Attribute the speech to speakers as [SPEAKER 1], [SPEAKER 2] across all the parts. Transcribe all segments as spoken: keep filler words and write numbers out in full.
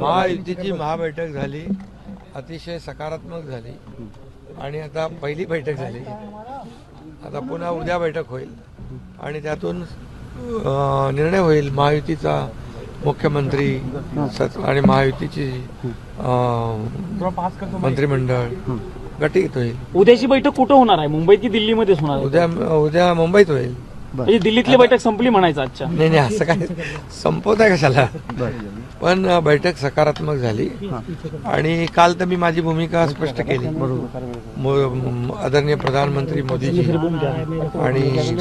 [SPEAKER 1] महायुतीची महाबैठक झाली, अतिशय सकारात्मक झाली आणि आता पहिली बैठक झाली. आता पुन्हा उद्या बैठक होईल आणि त्यातून निर्णय होईल. महायुतीचा मुख्यमंत्री आणि महायुतीची मंत्रिमंडळ गटित होईल.
[SPEAKER 2] उद्याची बैठक कुठं होणार आहे? मुंबईत की दिल्लीमध्येच होणार आहे?
[SPEAKER 1] उद्या उद्या मुंबईत होईल.
[SPEAKER 2] म्हणजे दिल्लीतली बैठक संपली म्हणायचं आजच्या?
[SPEAKER 1] नाही नाही, असं काय संपवत आहे कशाला. पण बैठक सकारात्मक झाली आणि काल तर मी माझी भूमिका स्पष्ट केली. आदरणीय प्रधानमंत्री मोदीजी आणि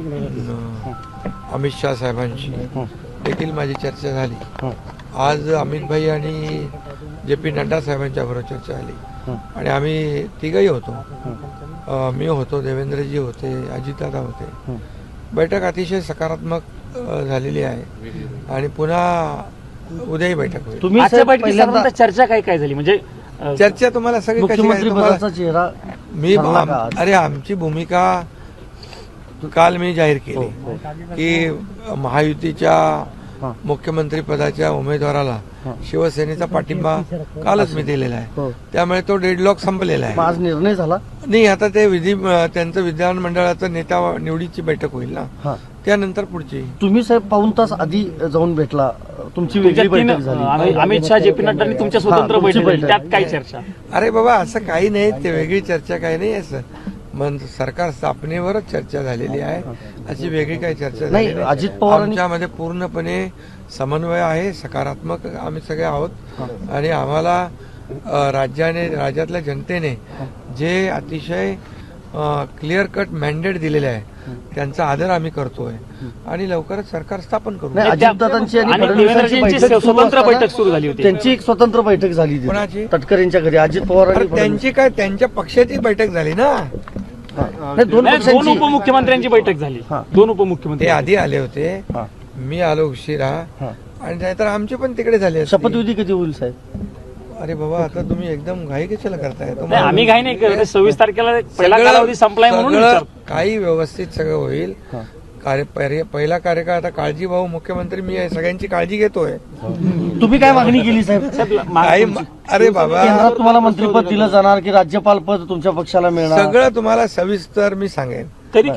[SPEAKER 1] अमित शाह साहेबांशी देखील माझी चर्चा झाली. आज अमित भाई आणि जे पी नड्डा साहेबांच्या बरोबर चर्चा झाली आणि आम्ही तिघही होतो. मी होतो, देवेंद्रजी होते, अजितदादा होते. बैठक अतिशय सकारात्मक झालेली आहे आणि पुन्हा उद्याही बैठक होईल.
[SPEAKER 2] तुम्ही आजच्या बैठकीत चर्चा काय काय झाली? म्हणजे
[SPEAKER 1] चर्चा तुम्हाला सगळी
[SPEAKER 3] मुख्यमंत्री पदाचा चेहरा
[SPEAKER 1] मी अरे आमची भूमिका काल मी जाहीर केली की महायुतीच्या मुख्यमंत्री पदाच्या उमेदवाराला शिवसेनेचा पाठिंबा कालच मी दिलेला आहे. त्यामुळे तो डेडलॉक संपलेला आहे.
[SPEAKER 3] आज निर्णय झाला
[SPEAKER 1] नाही, आता ते विधी त्यांचं विधानमंडळाचं नेता निवडीची बैठक होईल ना, त्यानंतर पुढची.
[SPEAKER 3] तुम्ही साहेब पाऊन तास आधी जाऊन भेटला, तुमची वेगळी बैठक झाली.
[SPEAKER 2] अमित शाह, जे पी नड्डांनी तुमच्या स्वतंत्र बैठक, त्यात काय चर्चा?
[SPEAKER 1] अरे बाबा, असं काही नाही, ते वेगळी चर्चा काही नाही. असं मन सरकार स्थापनेवरच चर्चा झालेली आहे, अशी वेगळी काही चर्चा झाली नाही.
[SPEAKER 3] अजित पवार
[SPEAKER 1] आमच्यामध्ये पूर्णपणे समन्वय आहे, सकारात्मक आम्ही सगळे आहोत आणि आम्हाला राज्याने राज्यातल्या जनतेने जे अतिशय क्लिअर कट मॅन्डेट दिलेले आहे त्यांचा आदर आम्ही करतोय आणि लवकरच सरकार स्थापन करू.
[SPEAKER 3] अजितदादांची आणि फडणवीसांची
[SPEAKER 2] स्वतंत्र बैठक सुरू झाली होती.
[SPEAKER 3] त्यांची एक स्वतंत्र बैठक झाली
[SPEAKER 1] कोणाची?
[SPEAKER 3] तटकरेंच्या घरी. अजित पवार
[SPEAKER 1] त्यांची काय, त्यांच्या पक्षाची बैठक झाली ना.
[SPEAKER 2] दोन उपमुख्यमंत्र्यांची बैठक झाली. दोन उपमुख्यमंत्री
[SPEAKER 1] ते आधी आले होते, मी आलो उशिरा आणि नाहीतर आमचे पण तिकडे झाले.
[SPEAKER 3] शपथविधी कधी होईल साहेब?
[SPEAKER 1] अरे बाबा, आता तुम्ही एकदम घाई कशाला करताय?
[SPEAKER 2] आम्ही घाई नाही करत. सव्वीस तारखेला पहिला कालावधी संपलाय म्हणून
[SPEAKER 1] काही व्यवस्थित सगळं होईल. कार्य पहिला कार्यकाळ आता काळजी भाऊ मुख्यमंत्री मी आहे, सगळ्यांची काळजी घेतोय.
[SPEAKER 3] तुम्ही काय मागणी केली साहेब?
[SPEAKER 1] अरे बाबा,
[SPEAKER 3] केंद्रात तुम्हाला मंत्रिपद दिलं जाणार की राज्यपाल पद तुमच्या पक्षाला मिळणार?
[SPEAKER 1] सगळं तुम्हाला सविस्तर मी सांगेन.
[SPEAKER 2] तरी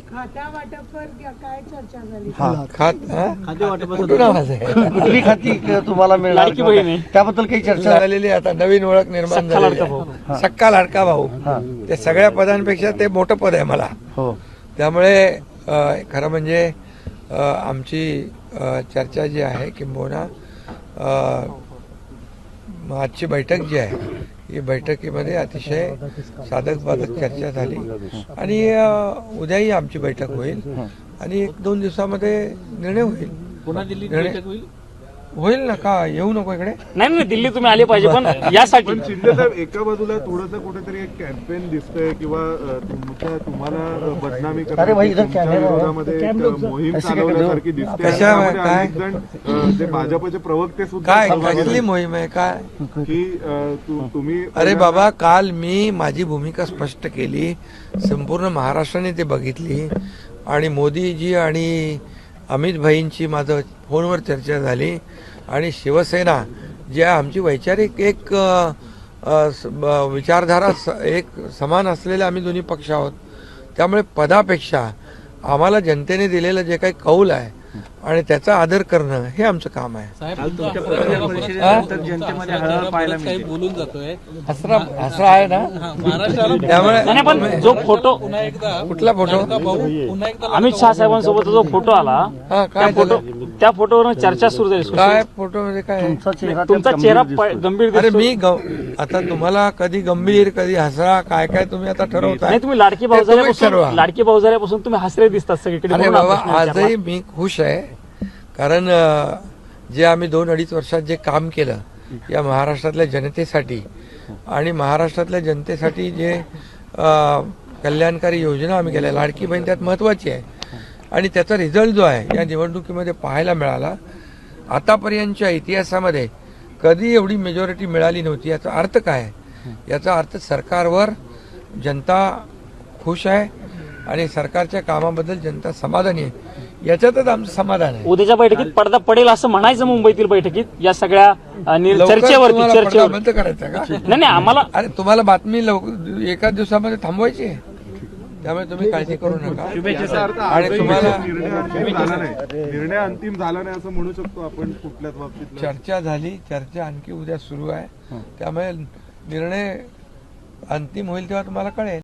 [SPEAKER 1] कुठून आवाज आहे?
[SPEAKER 3] कुठली खाती तुम्हाला मिळणार त्याबद्दल काही चर्चा
[SPEAKER 1] झालेली. आता नवीन ओळख निर्माण झाली, सक्का लाडका भाऊ. ते सगळ्या पदांपेक्षा ते मोठं पद आहे मला. त्यामुळे खरं म्हणजे आमची चर्चा जी आहे किंबहुना आजची बैठक जी आहे ही बैठकीमध्ये अतिशय साधक बाधक चर्चा झाली आणि उद्याही आमची बैठक होईल आणि एक दोन दिवसामध्ये निर्णय होईल.
[SPEAKER 2] पुन्हा दिल्लीत बैठक होईल
[SPEAKER 1] होईल ना. का येऊ नको इकडे?
[SPEAKER 2] नाही नाही, दिल्ली तुम्ही आले पाहिजे. पण यासाठी
[SPEAKER 4] शिंदे साहेब, एका बाजूला थोडंसं कुठेतरी एक कॅम्पेन दिसतंय किंवा तुमच्या तुम्हाला बदनामी करण्याच्या विरोधामध्ये मोहीम चालवण्यासारखी दिसते.
[SPEAKER 1] काय
[SPEAKER 4] जे भाजपचे प्रवक्ते सुद्धा
[SPEAKER 1] काय कसली मोहीम आहे काय
[SPEAKER 4] की तुम्ही?
[SPEAKER 1] अरे बाबा, काल मी माझी भूमिका स्पष्ट केली, संपूर्ण महाराष्ट्राने ते बघितली आणि मोदीजी आणि अमित भाईंची माझं फोनवर चर्चा झाली आणि शिवसेना जी आहे आमची वैचारिक एक विचारधारा एक समान असलेले आम्ही दोन्ही पक्ष आहोत. त्यामुळे पदापेक्षा आम्हाला जनतेने दिलेलं जे काही कौल आहे आणि त्याचा आदर करणं हे आमचं काम आहे.
[SPEAKER 2] बोलून जातोय
[SPEAKER 1] असं आहे ना.
[SPEAKER 2] त्यामुळे जो फोटो,
[SPEAKER 1] कुठला फोटो?
[SPEAKER 2] अमित शाह साहेबांसोबत जो फोटो आला, त्या फोटो त्या फोटोवर चर्चा सुरू झाली.
[SPEAKER 1] काय फोटो मध्ये काय?
[SPEAKER 2] तुमचा चेहरा गंभीर.
[SPEAKER 1] अरे मी आता तुम्हाला कधी गंभीर कधी हसरा काय काय तुम्ही आता ठरवताय.
[SPEAKER 2] नाही, तुम्ही लाडकी भाऊ झाल्यापासून लाडकी भाऊ झाल्यापासून तुम्ही हसरे दिसतात सगळीकडे.
[SPEAKER 1] अरे बाबा, आजही मी खुश आहे कारण जे आम्ही दोन अडीच वर्षात जे काम केलं या महाराष्ट्रातल्या जनतेसाठी आणि महाराष्ट्रातल्या जनतेसाठी जे कल्याणकारी योजना आम्ही केल्या, लाडकी बहीण त्यात महत्वाची आहे आणि त्याचा रिझल्ट जो आहे या निवडणुकीमध्ये पाहायला मिळाला. आतापर्यंतच्या इतिहासामध्ये कधी एवढी मेजॉरिटी मिळाली नव्हती. याचा अर्थ काय? याचा अर्थ सरकारवर जनता खुश आहे आणि सरकारच्या कामाबद्दल जनता समाधानी आहे. याच्यातच आमचं समाधान आहे.
[SPEAKER 2] उद्याच्या बैठकीत पडदा पडेल असं म्हणायचं मुंबईतील बैठकीत या सगळ्या अ, निर-
[SPEAKER 1] लवकर
[SPEAKER 2] चर्चेवरती
[SPEAKER 1] तुम्हाला पडदा
[SPEAKER 2] चर्चेवर
[SPEAKER 1] बंद करायचा का?
[SPEAKER 2] नाही नाही आम्हाला
[SPEAKER 1] अरे तुम्हाला बातमी लवकर एका दिवसामध्ये थांबवायची आहे, त्यामुळे तुम्ही काळजी करू नका.
[SPEAKER 4] याचा अर्थ
[SPEAKER 1] आणि
[SPEAKER 4] आजही
[SPEAKER 1] तुम्हाला
[SPEAKER 4] निर्णय अंतिम झाला नाही निर्णय अंतिम झाला नाही असं म्हणू शकतो आपण कुठल्याच बाबतीत.
[SPEAKER 1] चर्चा झाली, चर्चा आणखी उद्या सुरू आहे, त्यामुळे निर्णय अंतिम होईल तेव्हा तुम्हाला कळेल.